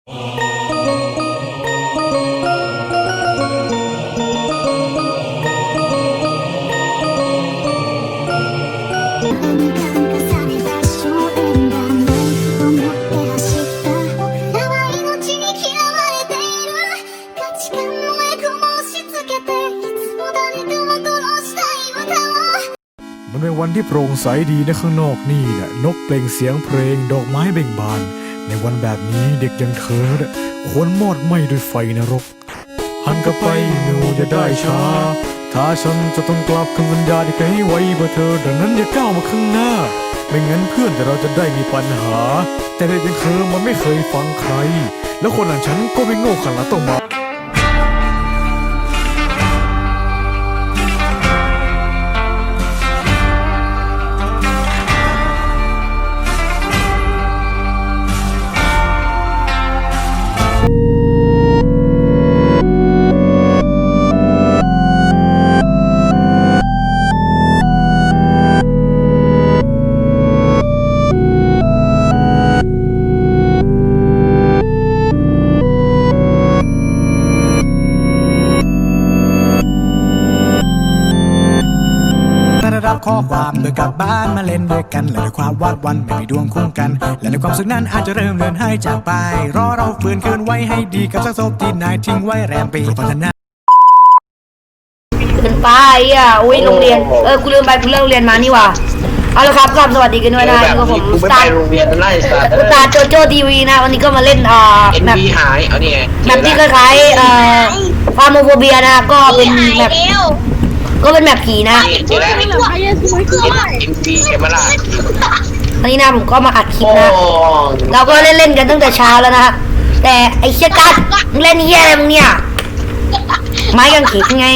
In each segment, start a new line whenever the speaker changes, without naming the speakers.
มันเป็นวันที่โปร่งใสดีนะข้างนอกนี่แหละนกเปล่งเสียงเพลงดอกไม้เบ่งบานในวันแบบนี้เด็กอย่างเธอควรมอดไหม้ด้วยไฟนรกหันกลับไปหนูจะได้ช้าถ้าฉันจะต้องกลับคำสัญญาที่เคยให้ไว้เพื่อเธอดังนั้นอย่าก้าวมาข้างหน้าไม่งั้นเพื่อนแต่เราจะได้มีปัญหาแต่เด็กอย่างเธอมันไม่เคยฟังใครแล้วคนอย่างฉันก็ไม่โง่ขนาดต้องมา
รับข้อความโดยกลับบ้านมาเล่นด้วยกันและด้วยความวาดวันไม่มีดวงคู่กันและในความสุขนั้นอาจจะเริ่มเลือนหายจากไปรอเราฟื้นคืนไว้ให้ดีกับสักศพที่นายทิ้งไว้แรมปีพัฒนา
เกินไปอ่ะอุ้ยโรงเรียนกูลืมไปกูเลิกโรงเรียนมานี่ว่ะเอาละครับสวัสดีกันด้วยนะนี่ก็ผมสตาร์โรงเรียนไล่สตาร์โจโจทีวีนะวันนี้ก็มาเล่นแมปหายเอานี่ไงแมปที่คล้ายๆฟาร์โมโฟเบียนะก็เป็นแมปก็เป็นแมปผีนะอันนี้นะผมก็มาอัดคลิปนะเราก็เล่นกันตั้งแต่เช้าแล้วนะแต่ไอ้เชี่ยกัดเล่นเหี้ยอะไรมึงเนี่ยไม้กางเขนไง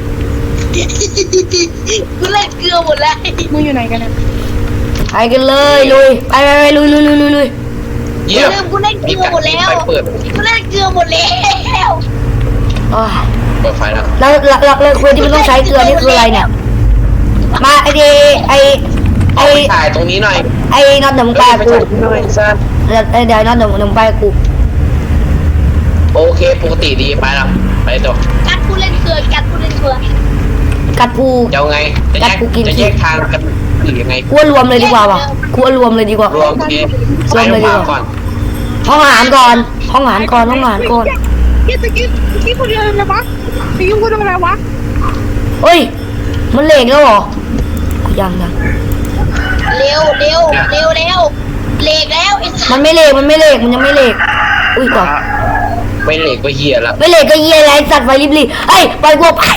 กูเล่นเกลือหมดแล้วมึงอยู่ไหนกันนะ
ไปกันเลยลุยไปลุย
เยี่ยมกูเล่นเกลือหมดแล้วกูเล่นเกลือหมดแล้ว
เปิดไฟแล้วเลยคุยที่มันต้องใช้เกลือนี่คืออะไรเนี่ยมาไอ
ถ่ายตรงนี้หน่อย
ไอ้น็อตหนุ่มไปกูเดี๋ยวน็อตหนุ่มไปกู
โอเคปกติดีไปแล้วไปต่อ
กัดกูเล่นเกลือกัดกูเล่นเกลือ
กัดกู
จะไงจะแยกทางกันหรือยังไง
กูรวมเลยดีกว่าวะกูรวมเลยดีกว่าร
วมเลยดีกว่า
ห้องอาหารก่อน
กี้คนเดียวเลยวะพี่ยุ่งคนอะไรวะ
เฮ้ยมันเหล็กแล้วเหรอยัง
เร็วเหล็กแล้ว
มันไม่เหล็กมันยังไม่เหล็กอุ้ยต่อ
ไม่เหล็กก็เหี้ยละ
ไม่เหล็กก็เหี้ยอะไรสัตว์ไฟริบเฮ้ยปล่อยกูไป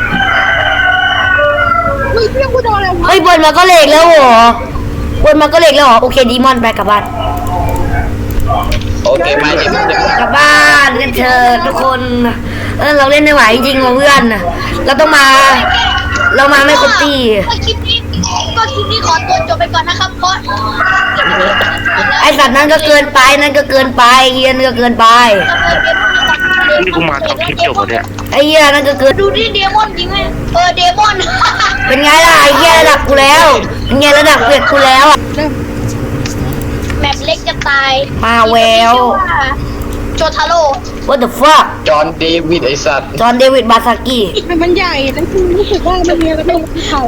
เฮ้ยพี่ยุ่งคนอะไรวะ
เฮ้ยบนมาก็เหล็กแล้วเหรอโอเคดีมอนไปกลับบ้าน
โอเคไป
กลับบ้านกันเถอะทุกคนเราเล่นไม่ไหวจริงๆเพื่อนเราต้องมาไม่ครบตี
คลิปนี้ขอตัวจบไปก่อนนะครับเพราะ
ไอสัตว์นั้นก็เกินไปเฮียนั่นก็เกินไป
นี่กูมาทำคลิปจบเนี่ย
ไอเฮียนั่นก็เกิน
ดูดิเดมอนจริงไหมเดมอน
เป็นไงล่ะไอเฮียระดับกูแล้วเป็นไงระดับเปลี่ยนกูแล้ว
แมปเล็กจะตาย
มาแวว
โจทาโร่
What the fuck
จอห์นเดวิดไอสัตว์
จอห์นเดวิดบาซากิ
มันใหญ่แล้วคือรู้สึกว่ามันมีอะไรไม่เข่า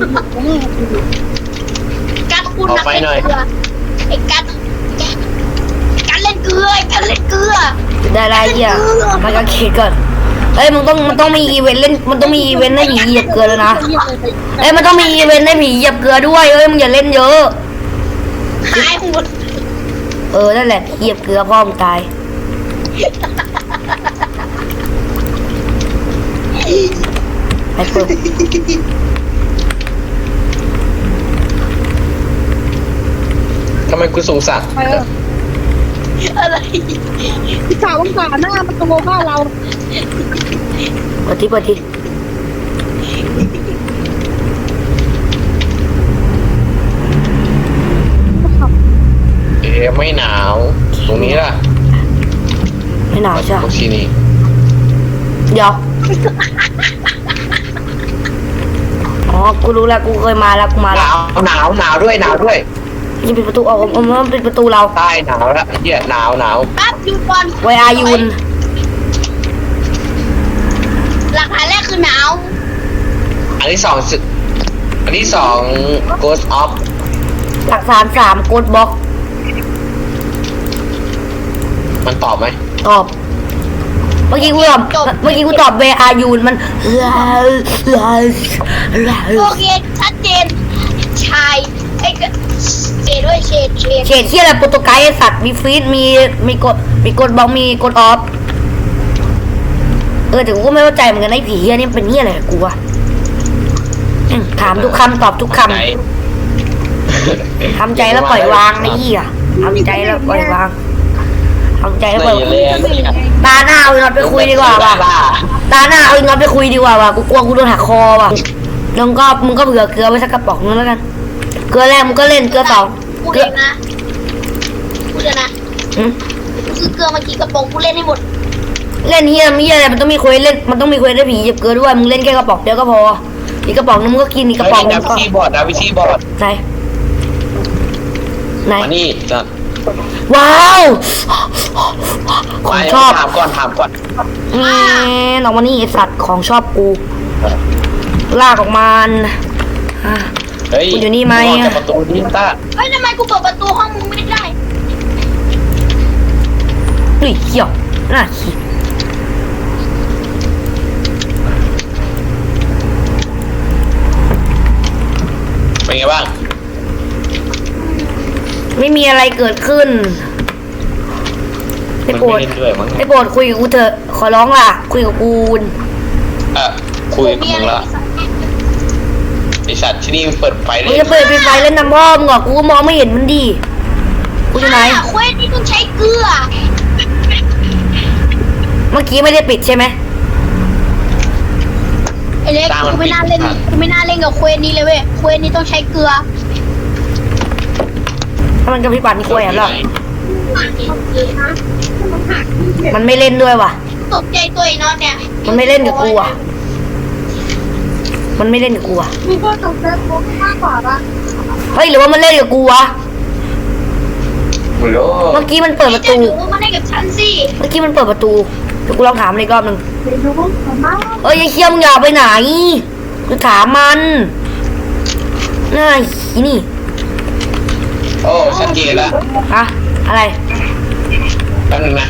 กัดคุณนักเล่นเกลือไอ้กัดเล่นเกลือ
ได้ไรเหี้ยมันก็เกก่อนเอ้ยมันต้องมีอีเวนต์เล่นมันต้องมีอีเวนต์ให้ผีเหยียบเกลือแล้วนะเอ้ยมันต้องมีอีเวนต์ให้ผีเหยียบเกลือด้วยเอ้ยมึงอย่าเล่นเยอะ
หายหมด
นั่นแหละเหยียบเกลือพ่อมึงตายไปเปิด
ทำไมกูสงสาร
อะไรพี่สาวว่างหน้ามันตัวบ้าเรา
เปิดที
ไม่หนาวตรงนี้ล่ะ
ไม่หนาวใช่
ตรงที่นี่
เดี๋ยวอ๋อกูรู้แล้วกูเคยมาแล้วกูมาแล้ว
หนาวด้วย
จะปิดประตูออกมันปิดประตูเรา
ใต้หนาวแล้วเหี้ยหนาว
แป๊บหยุดก่อน
ไวอายุน
หลักฐานแรกคือหนาว
อันที่สองGhost of
หลักฐาน3โกดบ็อก
มันตอบไหม
ตอบเมื่อกี้กูตอบเวอายูนมัน
โอเคชัดเจนชายไอ้เจดด้วยเชด
เฉดที่อะไรโปรโตไกด์ไอ้สัตว์มีฟรีดมีกดบล็อกมีกดออฟแต่กูก็ไม่เข้าใจเหมือนกันไอ้ผีอันนี้เป็นเหี้ยอะไรกับกูวะถามทุกคำตอบทุกคำทำใจแล้วปล่อยวางไอ้เหี้ยทำใจแล้วปล่อยวางทำใจแล้วปล่อยวางตาหน้าเอาอีน็อตไปคุยดีกว่าว่ะตาหน้าเอาอีน็อตไปคุยดีกว่าว่ะกูกลัวกูโดนหักคอว่ะแล้วก็มึงก็เผื่อเกลือไว้สักกระป๋องนึงแล้วกันเกลือแรกมึงก็เล่นเกลือสอง
พูดเองนะพูดเลยนะคือเกลือมากี่กระป๋องกูเล่นให้หมด
เล่นเฮียไม่เฮียอะไรมันต้องมีคุยเล่นมันต้องมีคุยได้ผีเหยียบเกลือด้วยมึงเล่นแค่กระป๋องเดียวก็พออีกกระป๋องนึงมึงก็กินอีกกระป๋องนึงก็
ดาวิซีบอร์ด
ไหน
มานี่จะ
ว้าวของชอบ
ถามก่อน
น้องวันนี้ไอสัตว์ของชอบกูลากออกมา
เฮ้ย
อยู่นี่ไหม
ประตูนี่ต้า
เฮ้ยทำไมกูเปิดประตูห้องมึงไม่ได้
เฮ้ยเขี้ยวน่าขี้
เป็นไงบ้าง
ไม่มีอะไรเกิดขึ้นได้โปรด
มันไม่เล่นด้วยมั้ง
ได้โปรดคุยกับกูเถอะขอร้องล่ะคุยกับกู
คุยกับมึงละไอสัตว์ที่นี่เปิดไฟเล
มึง
ย
จะเปิดไฟเล่นน้ำพ่อมึงเหรอกูก็มองไม่เห็นมันดีกูอยู่ไหน
เควสนี่ต้องใช้เกลือ
เมื่อกี้ไม่ได้ปิดใช่ไหม
ไอ้เล็กกูไม่น่าเล่นกับเควสนี้เลยเว้ยเควสนี้ต้องใช้เกลือ
ถ้ามันกับพี่ปัดนี่กูแอบหรอมันไม่เล่นด้วยว่ะ
ตกใจตัวไอ้น็อตเนี่ย
มันไม่เล่นกับกูอ่ะมันไม่เล่นกับกูอ่ะ
มึงก็ตกใจกูมากกว่าปะ
เฮ้ยหรือว่ามันเล่นกับกูวะ
ไม่รู้
เมื่อกี้มันเปิดประ
จะ
ตู
หนูมาได้กับฉันสิ
เมื่อกี้มันเปิดประตูเดี๋ยวกูลองถามมันอีกรอบหนึ่ง
เดี๋ยวดูผมมา
เอ้ยไอ้เคี้ยมึงอย่าไปไหนกูถามมันน่าอีนี่
โอ้ชัดเจนแล้ว
ฮะอะไร
แป๊บนึงนะ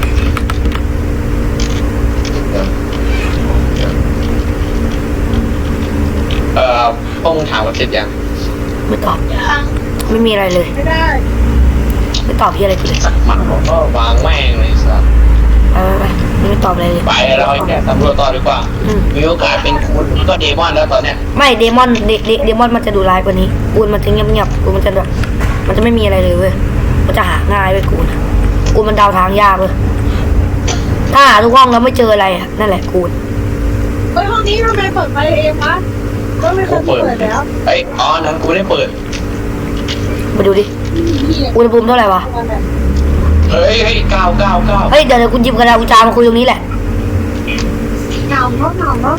พวกมึงถามว่าเสร็จยัง
ไม่ตอบ
ยัง
ไม่มีอะไรเลย
ไม่ได้
ไม่ตอบพี่อะไรกูเลย
มันบอกว่าวางแม่งเลยสัส
ไปไม่ตอบอะไรเลย
ไปเราแค่สำรวจต่อดีกว่า มีโอกาสเป็นคุณก็เดมอนแล้วตอนเนี้ย
ไม่เดมอนเดมอนมันจะดูร้ายกว่านี้กูมันจะเงียบกูมันจะแบบมันจะไม่มีอะไรเลยเว้ยมันจะหาง่ายเว้ยกูมันเดาทางยากเว้ยถ้าหาทุกห้องแล้วไม่เจออะไรอะนั่นแหละกู
เฮ้ยห้องนี้ทำไมเปิดไฟเองวะก็ไม่เค
กู
ย
เปิด
เปิดแล้ว
เอ้ยอ๋อนั้นกูไม่ได้เปิด
มาดูดิอุณหภูมิเท่าไหร่วะ
เฮ้ย9
เฮ้ยเดี๋ยวกูหยิบกระดาษกูจามาคุยตรงนี้แหละ
หนาวเนาะ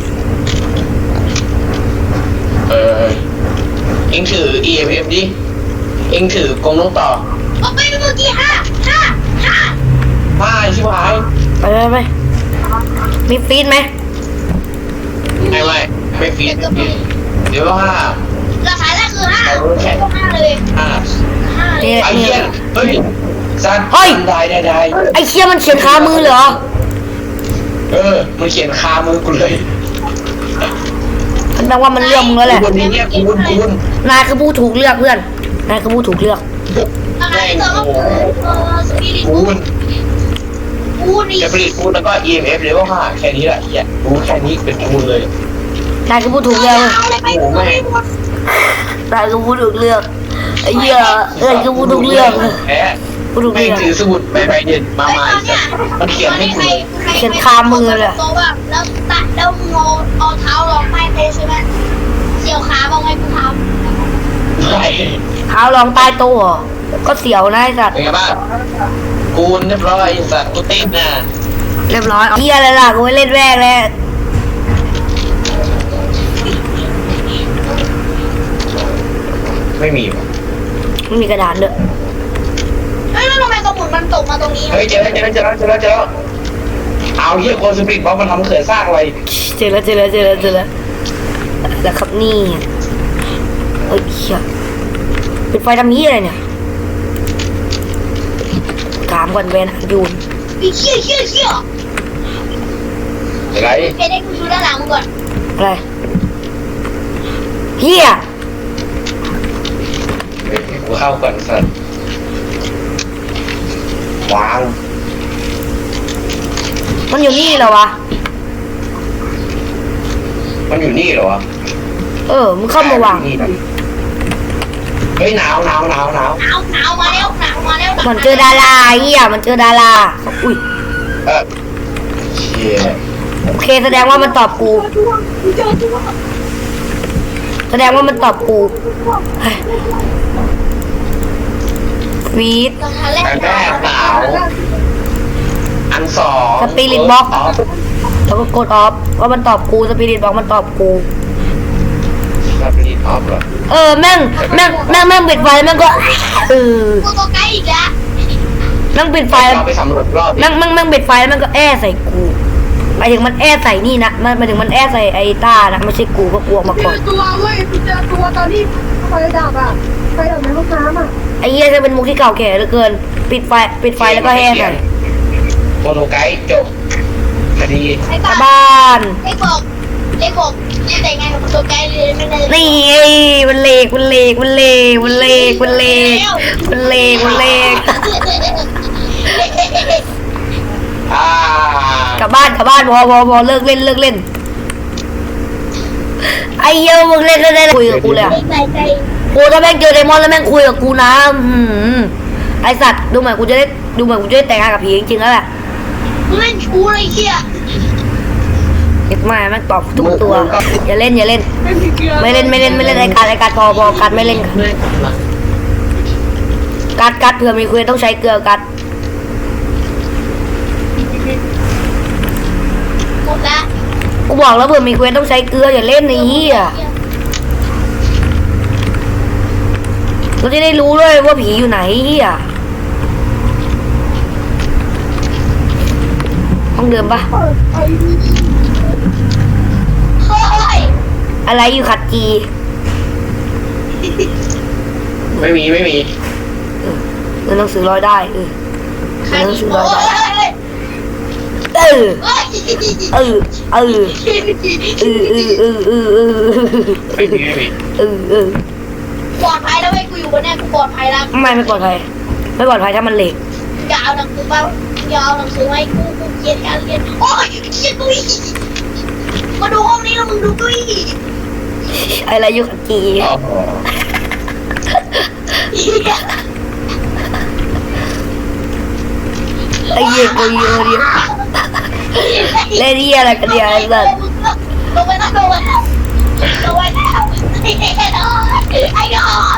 เอ็งถือ EMF ดิ เอ็งถือกรงน้องต่อ
เอาไปเมื่อกี้ห้า
ป้าชิบหาย
ไปมีฟีดไหม
ไม่ฟีดเดี๋ยวว่า
ราคาแรกคือ5เลย
นี่
ไอ้
นี่
เหี้ยเฮ้ยสัตว์
เฮ้ย
ได้
ไอ้เคี้ยมันเขียนคามือเหรอ
มันเขียนคามือกูเลย
มันแปลว่ามันเลือกมึงแล้วแหละ
คุณเนี่ยคุณ
นายคือผู้ถูกเลือกเพื่อนนายคือผู้ถูกเลือก
ราคาที่2ก็สปิริต
คุณ
นี่
จะผลิตคุณแล้วก็ EMF เลยว่าแค่นี้แหละเหี้ยรู้แค่นี้เป็นคุณเลย
นายคือผู้ถูกเลือก
เอาอะไรไปกูไม่หมด
นายคือผู้ถูกเลือกไอ้เหี้ยนายคือผู้ถูกเลือก
แพ้
ผู้ถูก
ไม่
เลือก
ถือสมุดใบเด่นมามันเขียนให้คุณ
เขียนคามือเลย
แล้วตัดแล้วมึงเอาเท้ารองใต้โต๊ะใช่ไหมเสี่ยวขาบอกไงกูท
ใช่
เท้ารองใต้โต๊ะเหรอก็เสียวนะไอ้สัตว์
เป็นไงบ้างกูเรียบร้อยสัตว์กูติดนะ
เรียบร้อยเหี้ยอะไรล่ะกูไม่เล่นแรกแล้ว
ไม่มี
ไม่มีกระดานด้วย
เฮ้ยแล้วทำไมสมุนมันตกมาตรงนี้
เฮ้ยเจอแล้วเอาเหี้ยคนสปิริตบล็อกมันทำเขื่อนสร้างอะไร
เจอแล้วแล้วครับนี่เอ้ยเหี้ยปิดไฟทำนี้อะไรเนี่ยถามก่อนเวนยูน
ไอ้เชี่ย
อะไร
เฮ้ยได้กูดูด้านหลังมึงก่อน
อะไรเฮีย
กูเข้าก่อนสัตว์วาง
มันอยู่นี่เหรอวะ
มันอยู่นี่เหรอวะ
มึงเข้ามาวาง
เฮ้ยหนาว
หนาวมาแล้ว
มันเจอดาราเฮียมันเจอดาราอุ้ย
เชี่ย
โอเคแสดงว่ามันตอบกูแสดงว่ามันตอบกูฟีด
ตอนแรก
อันแรกหนาวอันสอง
สปิริตบ็อกแล้วก็กดออฟว่ามันตอบกูสปิริตบอกมันตอบกู
สปิริตออฟเหรอ
แม่งปิดไฟแม่งก็
กูตัวใกล้อีกแล้ว
แม่งปิดไฟ
เราไปสำรวจรอบ
แม่งปิดไฟแล้วแม่งก็ใส่กูหมายถึงมันใส่นี่นะหมายถึงมันใส่ไอ้ต้านะไม่ใช่กูก็กลัวมาก่อน
ตัวเว้ยเจอตัวตอนที่ไฟดับอ่ะไฟดับในห้องน้ำอ่ะ
ไอ้เหี้ยจะเป็นมุกที่เก่าแก่เหลือเกินปิดไฟแล้วก็ใส่
โฟโตไกด์จบคดี
ไอ้
กลับ
บ้า
บ้าน
ไอ้บอกแต่งงานกับตัวใกล้เลยไม่ได้
นี่มันเลก กลับบ้านพอเลิกเล่นไอ้เหี้ยมึงเล่นได้คุยกับกูเลย
ใจ
โอ้ถ้าแม่งเจอไดมอนด์แล้วแม่งคุยกับกูนะไอสัตว์ดูเหมือนกูจะได้แต่งงานกับผีจริงๆแล้วแหละ
กูเล่นชูเลยเชี่ย
เอ็ดมาแม่งตอบทุกตัวอย่าเล่นไม่เล่นไอการพอการไม่เล่นการเผื่อมีคุยต้องใช้เกลือการ
หมดละ
กูบอกแล้วเผื่อมีคุยต้องใช้เกลืออย่าเล่นไอ้เหี้ยเราจะได้รู้ด้วยว่าผีอยู่ไหนเหี้ยห้องเดิมปะ
เฮ้ย
อะไรอยู่ขัดจี
ไม่มี
เงินหนังสือร้อยได้เงินหนังสือร้อยได้
ไม่มี
ปลอดภัยแล้วไอ้กูอยู่บนนี้กูปลอดภัยแล้ว
ไม่ปลอดภัยถ้ามันเหล็ก
อย่าเอาหนังสือมาให้กูเกลียดการเรียนโอ้ยเกลียดตุ้ยมาดูห้องนี้แล้วมึงดูตุ้ย
อะไรอยู่ขัดจี
อ๋อ
ไอ้เหี้ยกูเยอะดิเล่นเหี้ยอะไรกันเนี่ยไอ้สัส
ลงไปแล้วไอ้นอน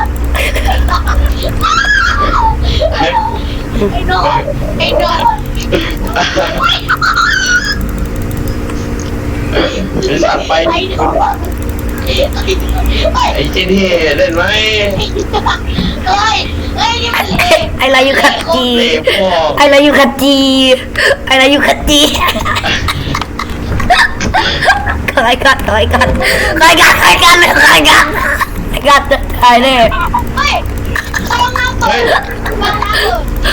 ไอสัตว์ไปไอ้เจนี่เล่นไหม
นี่มัน
ไอ้อะไรอยู่ขัดจี
เล่พ่อ
ไอ้อะไรอยู่ขัดจีไอ้อะไรอยู่ขัดจีใครกัดตายแน่
เฮ้ยต้องน้ำตกน้ำเลย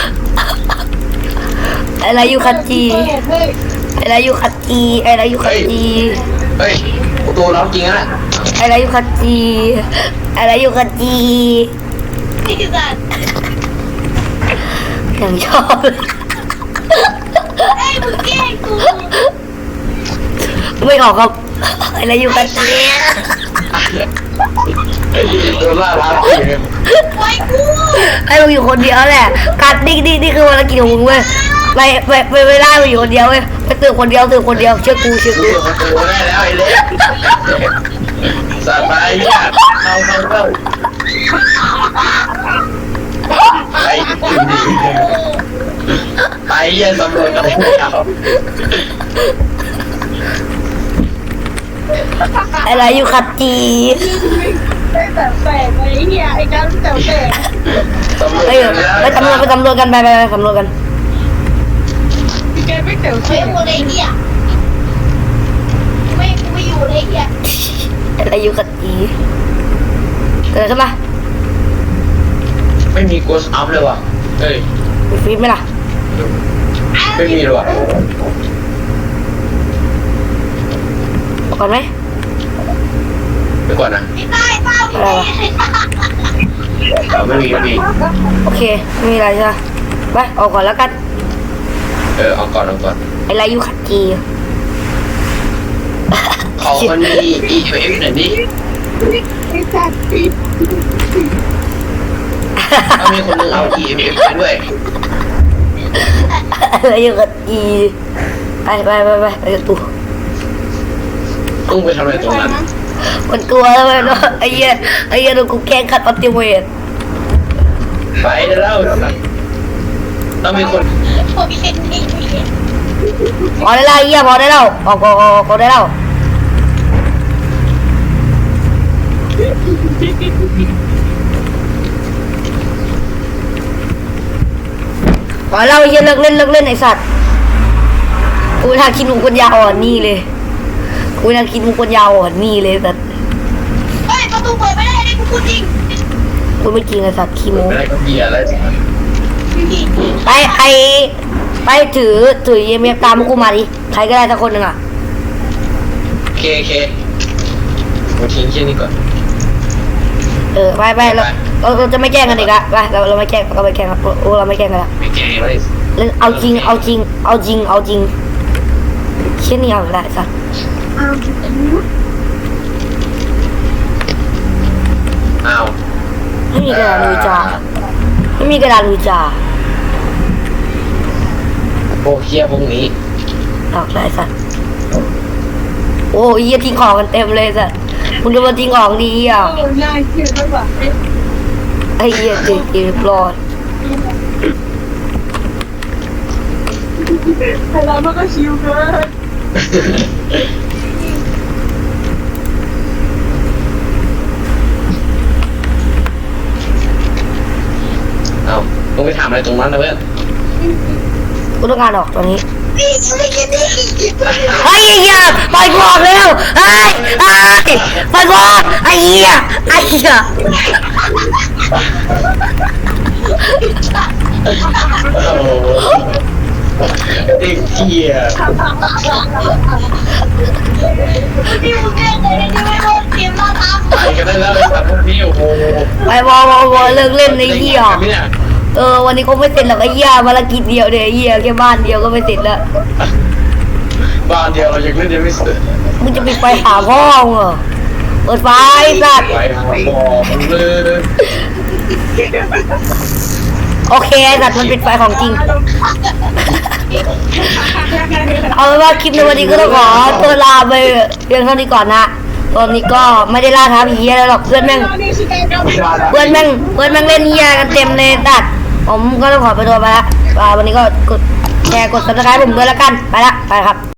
อะไรอยู่ขัดจีอะไรอยู่ขัดจี
เฮ้ยตัวน้องจริงนะ
อะไรอยู่ขัดจีอะไรอยู่ขัดจี
นี่คือการ
อย่างชอบเลย
ไอ้มึงแกล้งกู
ไม่ออกครับอะไรอยู่ขัดจี
ตัวล่ารัก
ไว้กู
ไอ้มึงอยู่คนเดียวแหละกัดนี่คือภารกิจของมึงเว้ยไปล่ามึงอยู่คนเดียวเว้ยไปตื่นคนเดียวเชื่อกู
ตัวได้แล้วไอ้เล็กสบายเนี่ยเข้าไปเยี่ยมสำรวจกันเลยครับ
อะไรอยู่ขัดจี
แต่แตกไอ้เหี้ยไอ้การแต่แตก
ไปไปตำรวจกันไปสำรวจกัน
แกไม่แต่
เฮ้ยหมดไอ้เหี้ยไม่กูไม่อยู่เลยไอ้เหี้ย
อะไรอยู่กับอีเกิดขึ้นมา
ไม่มีโกสอัพเลยว่ะเฮ้ย
มีฟีดไหมล่ะ
ไม่มีเลยว่ะ
บอกก่อนไหม
ไปก่อนนะ
ไอ้ใต้เต้าอยู่ไหนไอ้ใต้
ไม่มี
โอเคไม่มีอะไรใช่ไหมไปออกก่อนแล้วกัน
เอาก่อน
อะไรอยู่ขัดจี
เขามันมี EMF หน่อยดิ
ไอ้สัตว์ปี
ถ้ามีคนนึงเอา EMF ไปด้วย
อะไรอยู่ขัดจีไปกับตัว
ตุ้งไปทำอะไรตรงนั้น
มันกลัวแล้วเนาะไอ้เหี้ยโดนกูแกล้งขัดอัลติเมท
ไปได้แล้วต้องมีคน
ผมเห็นไอ้เหี้ย
พอได้แล้วไอ้เหี้ยพอได้แล้วออกได้แล้วพอแล้วไอ้เหี้ยเลิกเล่นไอ้สัตว์กูน่าคิดมุกคนยาวอ่อนนี่เลยกูน่าคิดมุกคนยาวอ่อนนี่เลยแต่
เฮ้ยประตูเปิดไม่ได้เลยกูพูดจริง
กูไม่จริงไอ้สัตว์ขี้โม้
อะไรก็เบียร์อะไร
ไปถือเยี่ยมตามพวกกูมาดิใครก็ได้สักคนหนึ่งอ่ะ
โอเคมาทิ้งแค่นี้ก่อน
ไปเราจะไม่แกล้งกันอีกละไปเราไม่แกล้งเราไม่แกล้งครับโอ้เราไม่แกล้งกันละ
ไม่เก่งเลย
เล่นเอาจริงเช่นนี้เอาได้สัตว์
อ้าว
ไม่มีกระดาษลุยจ่าไม่มีกระดาษลุยจ่า
โอ้เฮียพวกนี้
ออกได้สัตว์โอ้ยทิ้งของกันเต็มเลยสัตว์มึงดูมาทิ้งของดีอ่ะ
โอ้น่าเกลียดมากกว่า
ไอ้เหี้ยเจ็บปลอด
แต่เรามันก็ชิวเกิน
เอาต้องไปถามอะไรตรงนั้นนะเพื่อน
กูต้องการออกตอนนี้
นี่ไม่กินนี่
ไอ้เหี้ยไปก่อนเร็วไปก่อนไอ้เหี้ย
โอ้เด็กเฮีย
พี่มึงแกล้งเลยนี่ไม่โดนเกมมาตาม
ไปกันได้แล้วไอ้สัตว์พวกนี้โอ้โห
ไปวอเลิกเล่นไอ้เหี้ยวันนี้ก็ไม่เสร็จหรอกไอ้เหี้ยภารกิจเดียวเดี๋ยวไอ้เหี้ยแค่บ้านเดียวก็ไม่เสร็จแล้ว
บ้านเดียวเรายังเล่นยังไม่เสร็จ
มึงจะไปหาพ่อมึงเหรอเปิดไฟสัตว์
ไปหาบอกเลย
โอเคไอ้สัตว์มันปิดไฟของจริงเอาเป็นว่าคลิปในวันนี้ก็ต้องขอตัวลาไปเพียงเท่านี้ก่อนนะตอนนี้ก็ไม่ได้ล่าท้าผีอะไรหรอกเพื่อนแม่งเล่นเหี้ยกันเต็มเลยตัดผมก็ต้องขอไปตัวไปละวันนี้ก็กดแชร์กด subscribe ผมด้วยแล้วกันไปละไปครับ